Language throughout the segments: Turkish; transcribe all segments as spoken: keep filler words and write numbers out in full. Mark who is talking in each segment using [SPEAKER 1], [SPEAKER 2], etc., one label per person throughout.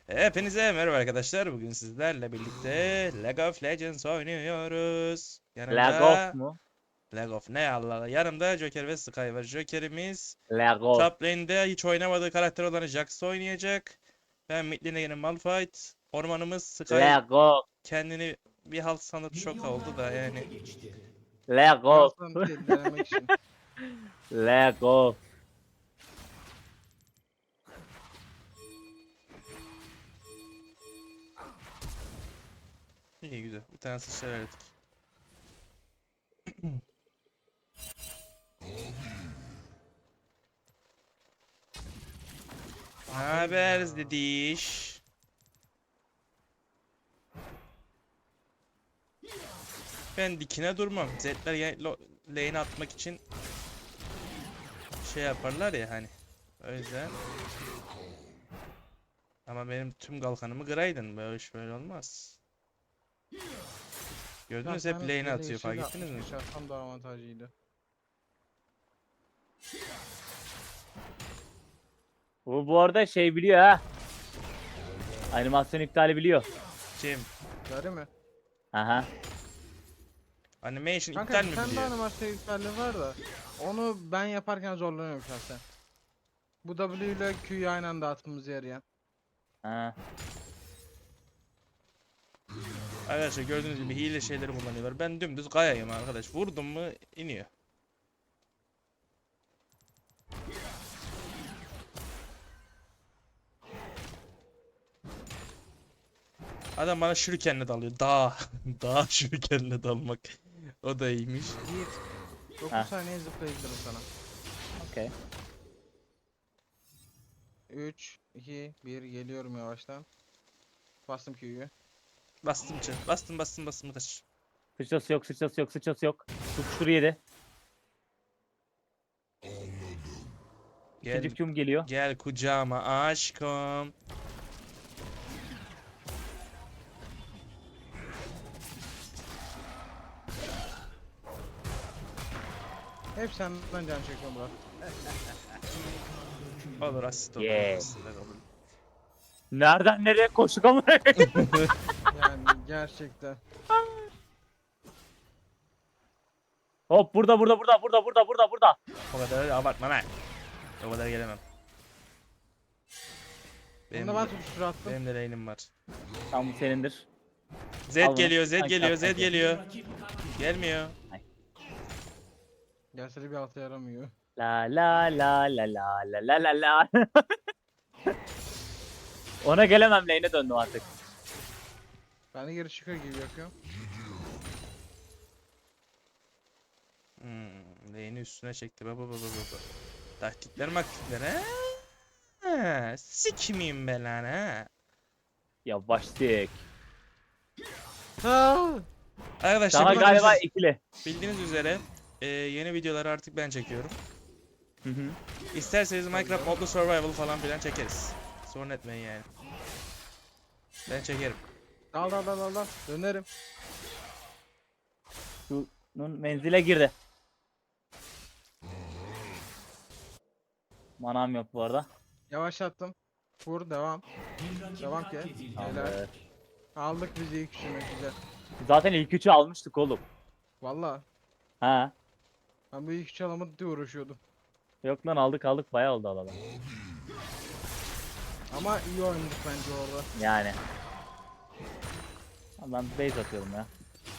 [SPEAKER 1] Hepinize merhaba arkadaşlar. Bugün sizlerle birlikte League of Legends oynuyoruz.
[SPEAKER 2] Legof
[SPEAKER 1] Yanımda
[SPEAKER 2] mu?
[SPEAKER 1] League of ne Allah Allah. Yanımda Joker ve Sky var. Joker'imiz
[SPEAKER 2] Legof.
[SPEAKER 1] top lane'de hiç oynamadığı karakter olan Jax oynayacak. Ben mid lane'e yine Malphite. Ormanımız Sky
[SPEAKER 2] Legof.
[SPEAKER 1] kendini bir halt sanıp şok oldu da yani.
[SPEAKER 2] Legof.
[SPEAKER 3] Birazdan değil, denemek için.
[SPEAKER 2] Legof.
[SPEAKER 1] İyi güzel. Bir tane sıçra verdik. Haber dediş. Ben dikine durmam. Zetler yani lo- lane atmak için şey yaparlar ya hani. O yüzden. Ama benim tüm kalkanımı kıraydın. Böyle iş böyle olmaz. Gördünüz hep lane atıyor, fark ettiniz mi?
[SPEAKER 3] Tam da avantajıydı.
[SPEAKER 2] Bu bu arada şey biliyor ha. Animasyon iptali biliyor.
[SPEAKER 1] Kim?
[SPEAKER 3] Gari mi?
[SPEAKER 2] Aha.
[SPEAKER 1] Animation
[SPEAKER 3] Kanka
[SPEAKER 1] iptal
[SPEAKER 3] bir
[SPEAKER 1] mi
[SPEAKER 3] tane daha
[SPEAKER 1] biliyor?
[SPEAKER 3] animasyon iptali var da onu ben yaparken zorlanıyorum şahsen. Bu W ile Q'yu aynı anda atmamız yarayan.
[SPEAKER 2] Ha.
[SPEAKER 1] Arkadaşlar gördüğünüz gibi hile şeyleri kullanıyorlar. Ben dümdüz kayayım arkadaş. Vurdum mu iniyor. Adam bana şurikenle dalıyor. Dağ. Dağ şurikenle dalmak. O da iyiymiş.
[SPEAKER 3] Yiğit. dokuz
[SPEAKER 2] Ha.
[SPEAKER 3] saniye zıplayabilirim sana.
[SPEAKER 2] Okey.
[SPEAKER 3] üç, iki, bir geliyorum yavaştan. Bastım Q'yu.
[SPEAKER 1] Bastım çı. Bastım bastım bastım kaç.
[SPEAKER 2] Sıçrası yok, sıçrası yok, sıçrası yok. Tutuştur yedi.
[SPEAKER 1] Gel,
[SPEAKER 2] İkinci Q'm geliyor.
[SPEAKER 1] gel kucağıma aşkım.
[SPEAKER 3] Hep senden can çekiyorum Burak.
[SPEAKER 1] Olur asist olur.
[SPEAKER 2] Yeah.
[SPEAKER 1] Asistler olur.
[SPEAKER 2] Nereden nereye koştuk ama.
[SPEAKER 3] Yani gerçekten.
[SPEAKER 2] Hop burada burada burada burada burada burada burada.
[SPEAKER 1] O kadar abartma lan. O kadar gelemem. Benim,
[SPEAKER 3] Bunda ben tutuştur attım.
[SPEAKER 1] benim de lane'im var.
[SPEAKER 2] Tam bu senindir.
[SPEAKER 1] Z
[SPEAKER 2] Al bunu.
[SPEAKER 1] geliyor, Z
[SPEAKER 2] Sanki
[SPEAKER 1] geliyor, Z
[SPEAKER 2] sanki.
[SPEAKER 1] geliyor. Gelmiyor.
[SPEAKER 3] Gelse de bir altı yaramıyor.
[SPEAKER 2] La la la la la la la la la. Ona gelemem, lane'e döndüm artık.
[SPEAKER 3] Ben de geri çıkıyor gibi yapıyorum.
[SPEAKER 1] Hmm, lane'i üstüne çekti. Baba baba baba. Taktikler maktikler ha? Ha, sikmeyeyim ben lan ha.
[SPEAKER 2] Yavaştık.
[SPEAKER 3] Ha!
[SPEAKER 1] Arkadaşlar
[SPEAKER 2] Sana
[SPEAKER 1] bildiğiniz,
[SPEAKER 2] galiba ikili.
[SPEAKER 1] bildiğiniz üzere e, yeni videoları artık ben çekiyorum.
[SPEAKER 2] Hı hı.
[SPEAKER 1] İsterseniz Minecraft Modlu Survival falan filan çekeriz. Sorun etmeyin yani. Ben çekerim.
[SPEAKER 3] Dal dal dal dal dal. Dönerim.
[SPEAKER 2] Şunun menzile girdi. Manam yok bu arada.
[SPEAKER 3] Yavaşlattım. Vur devam. Devam ki. Helal.
[SPEAKER 2] Tamamdır.
[SPEAKER 3] Aldık bizi ilk üçüne güzel.
[SPEAKER 2] Zaten ilk üçü almıştık oğlum.
[SPEAKER 3] Valla.
[SPEAKER 2] Ha.
[SPEAKER 3] Ben bu ilk üçü alamadı diye uğraşıyordum.
[SPEAKER 2] Yok lan, aldık aldık, bayağı oldu alalım.
[SPEAKER 3] Ama iyi oynadık bence orada.
[SPEAKER 2] Yani. Ben base atıyorum ya.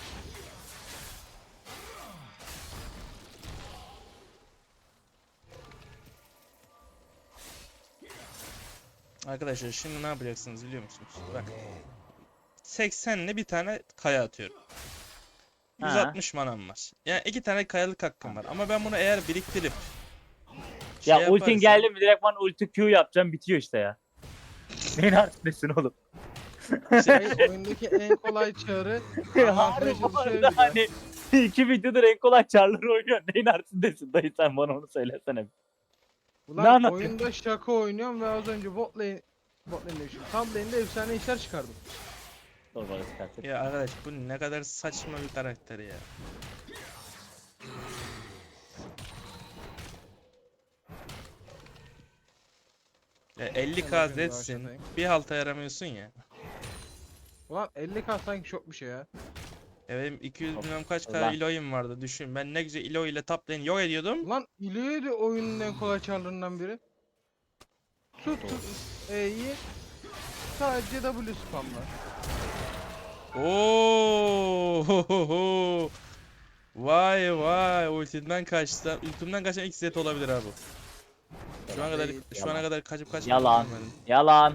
[SPEAKER 1] Arkadaşlar şimdi ne yapacaksınız biliyor musunuz? Bak. seksenle bir tane kaya atıyorum.
[SPEAKER 2] Ha.
[SPEAKER 1] yüz altmış manam var. Yani iki tane kayalık hakkım var. Ama ben bunu eğer biriktirip şey
[SPEAKER 2] Ya ultin
[SPEAKER 1] yaparsam-
[SPEAKER 2] geldi mi direkt ben ulti Q yapacağım, bitiyor işte ya. Neyin artık oğlum?
[SPEAKER 3] Şey, oyundaki en kolay çağrı avantaja
[SPEAKER 2] Harbi bu arada
[SPEAKER 3] düşebiliyor.
[SPEAKER 2] hani iki videodur en kolay çarları oynuyor. Neyin artındesin dayı, sen bana onu söylesene. Ne
[SPEAKER 3] Ulan
[SPEAKER 2] anlatıyorsun?
[SPEAKER 3] oyunda şaka oynuyorum ve az önce bot lane bot lane demişim. Top lane'de efsane işler çıkardım.
[SPEAKER 2] Dur bana çıkarttık.
[SPEAKER 1] Ya arkadaş bu ne kadar saçma bir karakter ya. Ya elli
[SPEAKER 3] Hemen
[SPEAKER 1] K
[SPEAKER 3] şöyle bir
[SPEAKER 1] Z'sin.
[SPEAKER 3] yavaşlatayım.
[SPEAKER 1] Bir halta yaramıyorsun ya.
[SPEAKER 3] Ulan elli K sanki çok bir şey ya.
[SPEAKER 1] Ya benim iki yüz
[SPEAKER 2] Çok
[SPEAKER 1] bilmem kaç K
[SPEAKER 2] ulan.
[SPEAKER 1] iloyum vardı. Düşün. Ben ne güzel ilo ile top lane yok ediyordum.
[SPEAKER 3] Ulan İlio'ydu oyunun en kolay çarlarından biri. Tut tut E'yi sadece W spamla.
[SPEAKER 1] Oo! Vay vay. Ultimden kaçtı. Ultimden kaçan ilk Zed olabilir abi. Şu ana kadar
[SPEAKER 3] Değil.
[SPEAKER 1] şu ana
[SPEAKER 2] Yalan.
[SPEAKER 1] kadar kaçıp kaçmadığını
[SPEAKER 2] Yalan.
[SPEAKER 1] görmedim.
[SPEAKER 2] Yalan.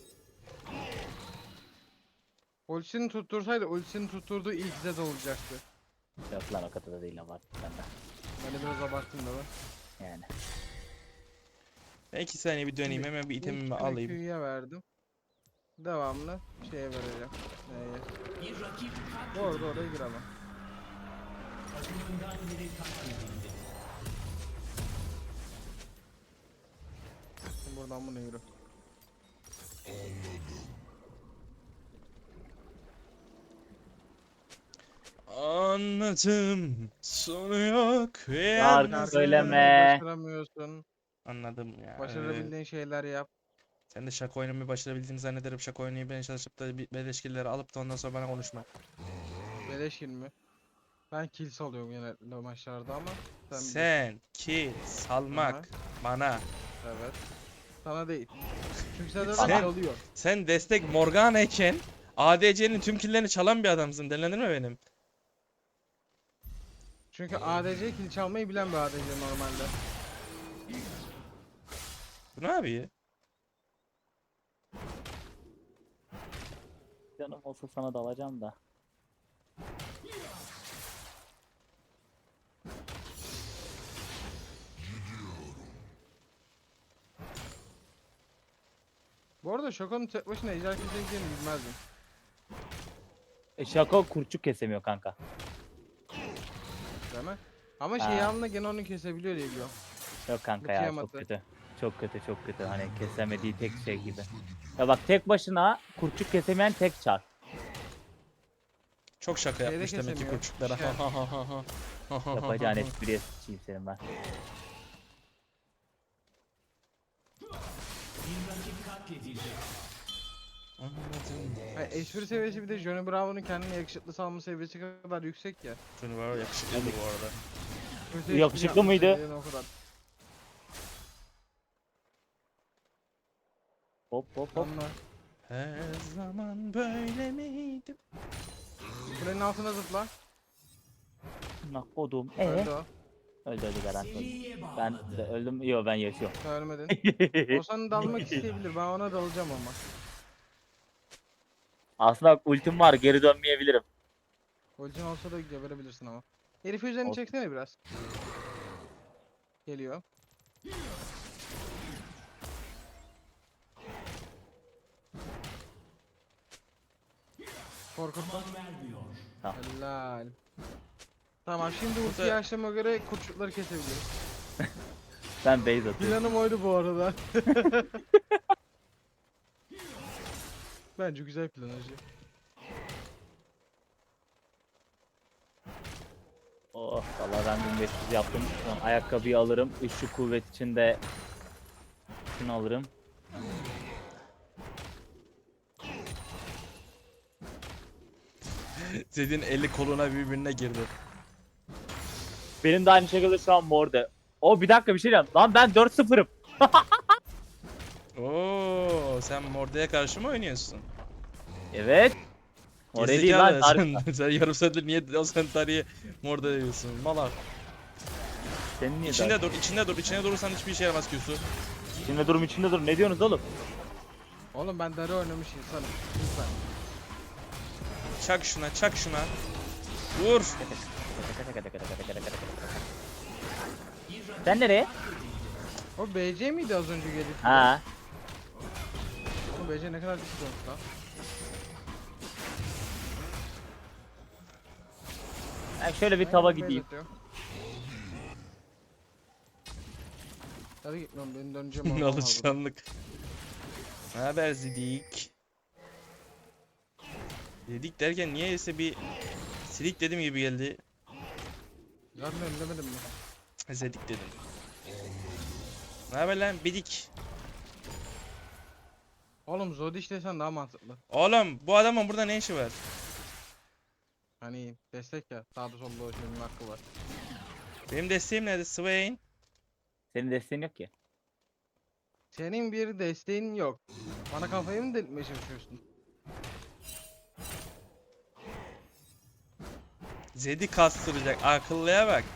[SPEAKER 3] Ultisini tuttursaydı ultisini tutturduğu ilk Zed olacaktı.
[SPEAKER 2] Yok lan o kadar da değil ama ben de.
[SPEAKER 3] Ben de biraz abarttım da ben.
[SPEAKER 2] Yani.
[SPEAKER 1] Ben iki saniye bir döneyim.
[SPEAKER 3] Şimdi
[SPEAKER 1] Hemen bir
[SPEAKER 3] İlk
[SPEAKER 1] itemimi
[SPEAKER 3] tane
[SPEAKER 1] alayım.
[SPEAKER 3] Q'ya verdim. Devamlı şeye vereceğim. Neye? Orada oraya gir ama. Şimdi buradan bunu yürü.
[SPEAKER 1] Anladım. Sonu yok. ve
[SPEAKER 2] Şarkı
[SPEAKER 1] yalnızım.
[SPEAKER 2] söyleme.
[SPEAKER 3] Başaramıyorsun.
[SPEAKER 1] Anladım ya. öyle.
[SPEAKER 3] Başarabildiğin şeyler yap.
[SPEAKER 1] Sen de şaka oynamayı başarabildiğini zannederim. Şaka oynamayı ben çalışıp da bir beleşkilleri alıp da ondan sonra bana konuşma.
[SPEAKER 3] Beleş mi? Ben kill salıyorum genellikle maçlarda ama sen bilirsin.
[SPEAKER 1] Sen kill salmak
[SPEAKER 3] Aha.
[SPEAKER 1] bana.
[SPEAKER 3] Evet. Sana değil. Çünkü sen
[SPEAKER 1] Sen-
[SPEAKER 3] zaten oluyor.
[SPEAKER 1] Sen destek Morgana iken A D C'nin tüm killerini çalan bir adamsın. Delilenir mi benim?
[SPEAKER 3] Çünkü A D C kill çalmayı bilen bir A D C normalde.
[SPEAKER 1] Bu ne abi?
[SPEAKER 2] Canım olsa sana dalacağım da.
[SPEAKER 3] Bu arada Şoko'nun tek başına ejder kesebileceğini bilmezdim.
[SPEAKER 2] E, Şako kurçuk kesemiyor kanka.
[SPEAKER 3] Değil mi? Ama
[SPEAKER 2] Ha.
[SPEAKER 3] şey yanına gene onu kesebiliyor diye biliyorum.
[SPEAKER 2] Yok kanka
[SPEAKER 3] Bu
[SPEAKER 2] ya
[SPEAKER 3] Tiamat'ı.
[SPEAKER 2] çok kötü. Çok kötü çok kötü hani kesemediği tek şey gibi. Ya bak tek başına kurçuk kesemeyen tek çar.
[SPEAKER 1] Çok şaka
[SPEAKER 3] Şeyde
[SPEAKER 1] yapmış demek ki
[SPEAKER 3] kesemiyor.
[SPEAKER 1] kurçuklara.
[SPEAKER 3] Şey.
[SPEAKER 2] Yapacağın espriye sıçayım senin ben.
[SPEAKER 1] Anladım.
[SPEAKER 3] Hayır, espri seviyesi bir de Johnny Bravo'nun kendine yakışıklı salma seviyesi kadar yüksek ya.
[SPEAKER 1] Şunu var yakışıklıydı bu arada.
[SPEAKER 3] Kötü espri
[SPEAKER 2] Yakışıklı
[SPEAKER 3] yapmış
[SPEAKER 2] mıydı?
[SPEAKER 3] seviyeden o kadar.
[SPEAKER 2] Hop hop hop.
[SPEAKER 3] Anla.
[SPEAKER 1] Her zaman böyle miydim?
[SPEAKER 3] Kulenin altına zıpla.
[SPEAKER 2] Nah odum. Ee?
[SPEAKER 3] Öldü o.
[SPEAKER 2] Öldü öldü garanti öldü. Ben de öldüm. Yo ben yaşıyorum.
[SPEAKER 3] Sen ölmedin. O sana dalmak isteyebilir. Ben ona dalacağım ama.
[SPEAKER 2] Aslında bak, ultim var geri dönmeyebilirim.
[SPEAKER 3] Ultin olsa da geberebilirsin ama. Herifi üzerine
[SPEAKER 2] Olsun.
[SPEAKER 3] çeksene biraz. Geliyor. Korkutma.
[SPEAKER 2] Tamam.
[SPEAKER 3] Helal. Tamam şimdi
[SPEAKER 1] Burada-
[SPEAKER 3] ultiyi açtığıma göre kurçukları kesebiliriz.
[SPEAKER 2] Ben base atıyorum.
[SPEAKER 3] Planım oydu bu arada. Bence güzel plan hacı.
[SPEAKER 2] Oh valla ben bin beş yüz yaptım. Şu an ayakkabıyı alırım. Üçlü kuvvet içinde şunu alırım.
[SPEAKER 1] Zed'in eli koluna birbirine girdi.
[SPEAKER 2] Benim de aynı şekilde şu an morde. O bir dakika bir şey diyeceğim. Lan ben dört sıfırım.
[SPEAKER 1] Oo, sen Morde'ye karşı mı oynuyorsun?
[SPEAKER 2] Evet. Morde değil lan.
[SPEAKER 1] Gerizekalı,
[SPEAKER 2] Dar-
[SPEAKER 1] sen, sen yarım saattir niye o Centauri'yi Morde diyorsun? Malak.
[SPEAKER 2] Senin niye
[SPEAKER 1] İçinde
[SPEAKER 2] dar-
[SPEAKER 1] dur, içinde dur. İçine durursan hiçbir işe yaramaz Q'su.
[SPEAKER 2] İçinde durum içinde dur. Ne diyorsunuz oğlum?
[SPEAKER 3] Oğlum ben darı oynamış insanım. Lütfen.
[SPEAKER 1] Çak şuna, çak şuna. Vur.
[SPEAKER 2] Sen nereye?
[SPEAKER 3] O B C miydi az önce gelip?
[SPEAKER 2] Ha.
[SPEAKER 3] O B C ne kadar düşük olmuş lan.
[SPEAKER 2] Ben şöyle bir
[SPEAKER 3] Ben
[SPEAKER 2] tava
[SPEAKER 3] yine base
[SPEAKER 2] gideyim.
[SPEAKER 3] atıyorum. Hadi gitmiyorum benim döneceğim oradan var burada.
[SPEAKER 1] Alışkanlık. Ne haber Zidik? Dedik derken niyeyse bir silik dedim gibi geldi.
[SPEAKER 3] Zaten önlemedim mi?
[SPEAKER 1] Zedik dedim. Ne haber lan bidik?
[SPEAKER 3] Oğlum Zodiş desen daha mantıklı.
[SPEAKER 1] Oğlum bu adamın burada ne işi var?
[SPEAKER 3] Hani destek ya. Sağda solda dolaşmanın hakkı var.
[SPEAKER 1] Benim desteğim nerede? Swain.
[SPEAKER 2] Senin desteğin yok ki.
[SPEAKER 3] Senin bir desteğin yok. Bana kafayı mı delirtmeye çalışıyorsun?
[SPEAKER 1] Zed'i kastıracak. Akıllıya bak.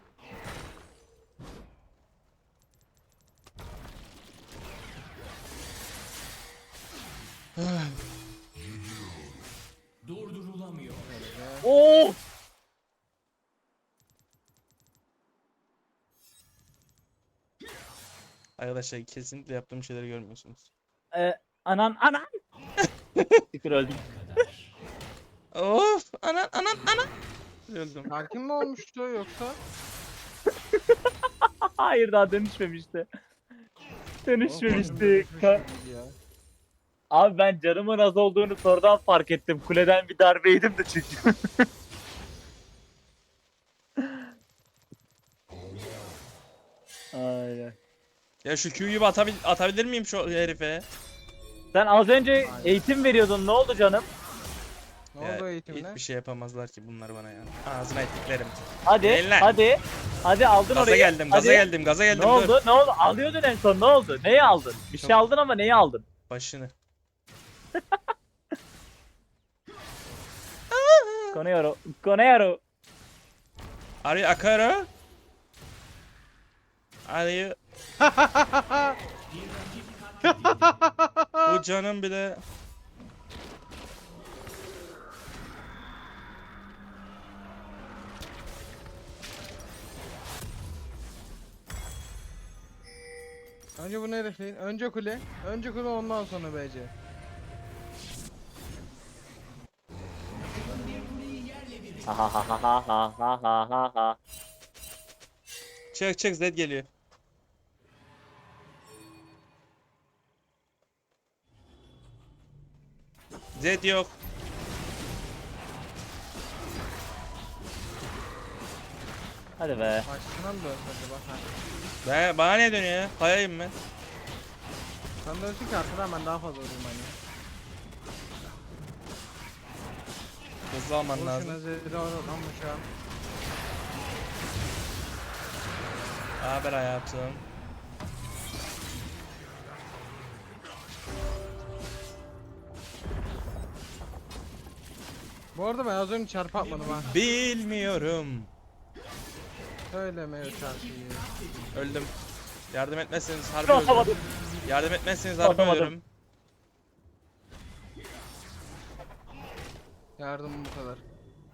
[SPEAKER 4] Durdurulamıyor.
[SPEAKER 3] Böyle.
[SPEAKER 2] Oo!
[SPEAKER 1] Arkadaşlar kesinlikle yaptığım şeyleri görmüyorsunuz.
[SPEAKER 2] Ee, anan anan. Şükür öldüm.
[SPEAKER 1] Of! Anan anan anan! Öldüm.
[SPEAKER 3] Sakin mi olmuştu yoksa?
[SPEAKER 2] Hayır daha dönüşmemişti.
[SPEAKER 3] Oğlum,
[SPEAKER 2] Dönüşmemişti.
[SPEAKER 3] dönüşmüş
[SPEAKER 2] Ka-
[SPEAKER 3] gibiydi ya.
[SPEAKER 2] Abi ben canımın az olduğunu sonradan fark ettim. Kuleden bir darbe yedim de çünkü. Aynen.
[SPEAKER 1] Ya şu Q'yu bir atabil atabilir miyim şu herife?
[SPEAKER 2] Sen az önce eğitim veriyordun. Ne oldu canım?
[SPEAKER 3] Ne
[SPEAKER 1] Ya,
[SPEAKER 3] oldu eğitimle?
[SPEAKER 1] hiçbir şey yapamazlar ki bunlar bana ya. Ağzına ettiklerim.
[SPEAKER 2] Hadi,
[SPEAKER 1] Eller.
[SPEAKER 2] hadi. Hadi aldın
[SPEAKER 1] Gaza
[SPEAKER 2] orayı.
[SPEAKER 1] geldim, gaza
[SPEAKER 2] Hadi.
[SPEAKER 1] geldim, gaza geldim.
[SPEAKER 2] Ne
[SPEAKER 1] Dur.
[SPEAKER 2] oldu? Ne oldu? Alıyordun en son. Ne oldu? Neyi aldın? Bir şey
[SPEAKER 1] Çok-
[SPEAKER 2] aldın ama neyi aldın?
[SPEAKER 1] Başını.
[SPEAKER 2] Koneyaro. Koneyaro.
[SPEAKER 1] Are you Akara? Are you... Bu canım bile...
[SPEAKER 3] Önce bunu herifleyin. Önce kule. Önce kule ondan sonra B C.
[SPEAKER 2] Ha ha ha ha ha ha ha ha ha.
[SPEAKER 1] Çık çık Zed geliyor. Zed yok.
[SPEAKER 2] Hadi be.
[SPEAKER 3] Başına mı dönsün acaba? Ha.
[SPEAKER 1] Ben, bana ne dönüyor ya? Kayayım ben.
[SPEAKER 3] Sen dönsün ki arkadan ben daha fazla vurayım hani.
[SPEAKER 1] Hızlı alman
[SPEAKER 3] Boşuna
[SPEAKER 1] lazım.
[SPEAKER 3] zehri almış ya.
[SPEAKER 1] Haber hayatım.
[SPEAKER 3] Bu arada ben az önce çarpı atmadım ha.
[SPEAKER 1] Bilmiyorum.
[SPEAKER 3] Söyleme o çarpıyı.
[SPEAKER 1] Öldüm. Yardım etmezseniz harbi
[SPEAKER 2] Atamadım.
[SPEAKER 1] ölürüm. Yardım etmezseniz harbi
[SPEAKER 2] Atamadım.
[SPEAKER 1] ölürüm.
[SPEAKER 3] Yardım bu kadar.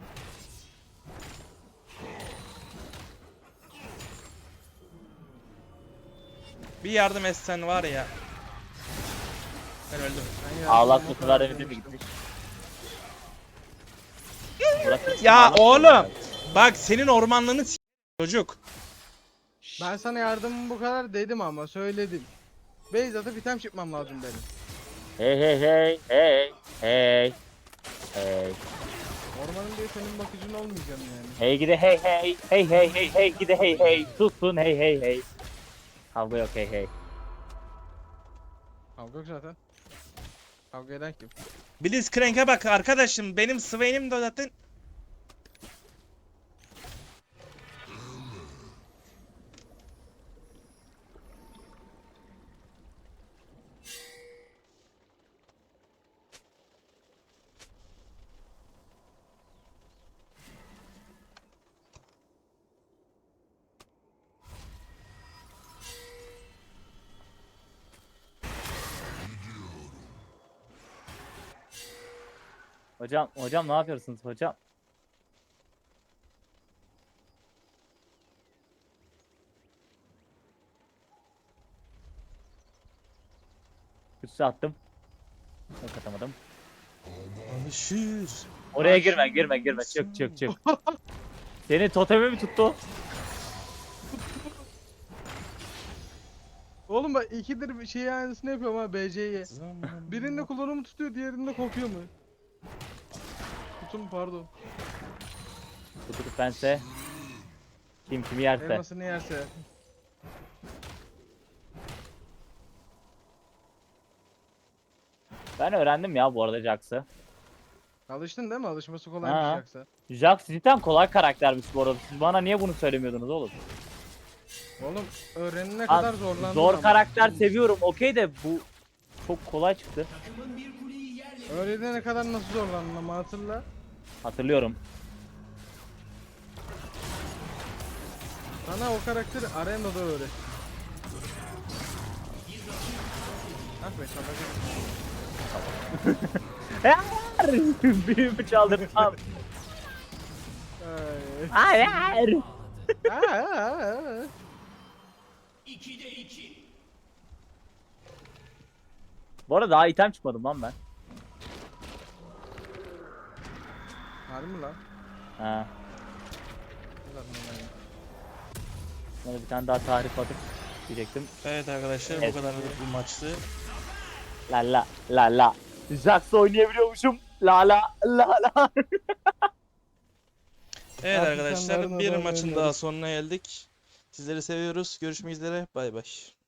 [SPEAKER 1] Bir yardım etsen var ya. Ben öldüm.
[SPEAKER 3] Ben yardım
[SPEAKER 2] Ağlak
[SPEAKER 3] bu
[SPEAKER 2] bu kadar evde mi
[SPEAKER 3] demiştim.
[SPEAKER 2] gitmiş? Bırak-
[SPEAKER 1] Ya
[SPEAKER 2] Ağlak-
[SPEAKER 1] oğlum. Bak senin ormanlığını s- çocuk.
[SPEAKER 3] Ben sana yardımım bu kadar dedim ama söyledim. Base atıp item çıkmam lazım dedim.
[SPEAKER 2] Hey hey hey hey hey hey
[SPEAKER 3] Ormanın diye senin bakıcın olmayacağım yani.
[SPEAKER 2] hey gide hey hey hey hey hey hey gide hey hey tutsun hey hey hey. Kavga yok hey hey.
[SPEAKER 3] Kavga yok zaten. Kavga eden kim?
[SPEAKER 1] Blitzcrank'e bak arkadaşım. Benim Swain'im de zaten.
[SPEAKER 2] Hocam hocam ne yapıyorsunuz hocam? Üstü attım. Yok atamadım.
[SPEAKER 1] Alışır.
[SPEAKER 2] Oraya girme girme girme çık çık çık. Seni totemi mi tuttu?
[SPEAKER 3] Oğlum bak ikidir bir şey aynısını yapıyorum ha B C'ye.
[SPEAKER 1] Zaman-
[SPEAKER 3] Birinde kolonumu tutuyor diğerinde kopuyor mu? Kutum pardon.
[SPEAKER 2] Tutup bense. Kim kimi yerse.
[SPEAKER 3] Elmasını yerse.
[SPEAKER 2] Ben öğrendim ya bu arada Jax'ı.
[SPEAKER 3] Alıştın değil mi? Alışması kolaymış
[SPEAKER 2] Ha.
[SPEAKER 3] yoksa.
[SPEAKER 2] Jax cidden kolay karaktermiş bu arada. Siz bana niye bunu söylemiyordunuz oğlum?
[SPEAKER 3] Oğlum öğrenene
[SPEAKER 2] Ha,
[SPEAKER 3] kadar zorlandın
[SPEAKER 2] Zor
[SPEAKER 3] ama.
[SPEAKER 2] karakter seviyorum okey de bu çok kolay çıktı.
[SPEAKER 3] Öğrenene kadar nasıl zorlandın ama hatırla.
[SPEAKER 2] Hatırlıyorum.
[SPEAKER 3] Sana o karakteri arenada öğret. Ah be şaka.
[SPEAKER 2] Büyümü çaldırdım.
[SPEAKER 3] Ay.
[SPEAKER 2] Hayır.
[SPEAKER 3] Aa, aa, aa.
[SPEAKER 2] Bu arada daha item çıkmadım lan ben.
[SPEAKER 3] Harbi mi lan?
[SPEAKER 2] Ha.
[SPEAKER 3] Zaten öyle.
[SPEAKER 2] Bana bir tane daha tarif atıp diyecektim.
[SPEAKER 1] Evet arkadaşlar
[SPEAKER 2] Evet.
[SPEAKER 1] bu kadar bu maçtı.
[SPEAKER 2] La la la la. Jax oynayabiliyormuşum. La la la la.
[SPEAKER 1] Evet
[SPEAKER 3] Artık
[SPEAKER 1] arkadaşlar
[SPEAKER 3] insanların
[SPEAKER 1] bir
[SPEAKER 3] adamı
[SPEAKER 1] maçın
[SPEAKER 3] oynuyoruz.
[SPEAKER 1] daha sonuna geldik. Sizleri seviyoruz. Görüşmek üzere. Bay bay.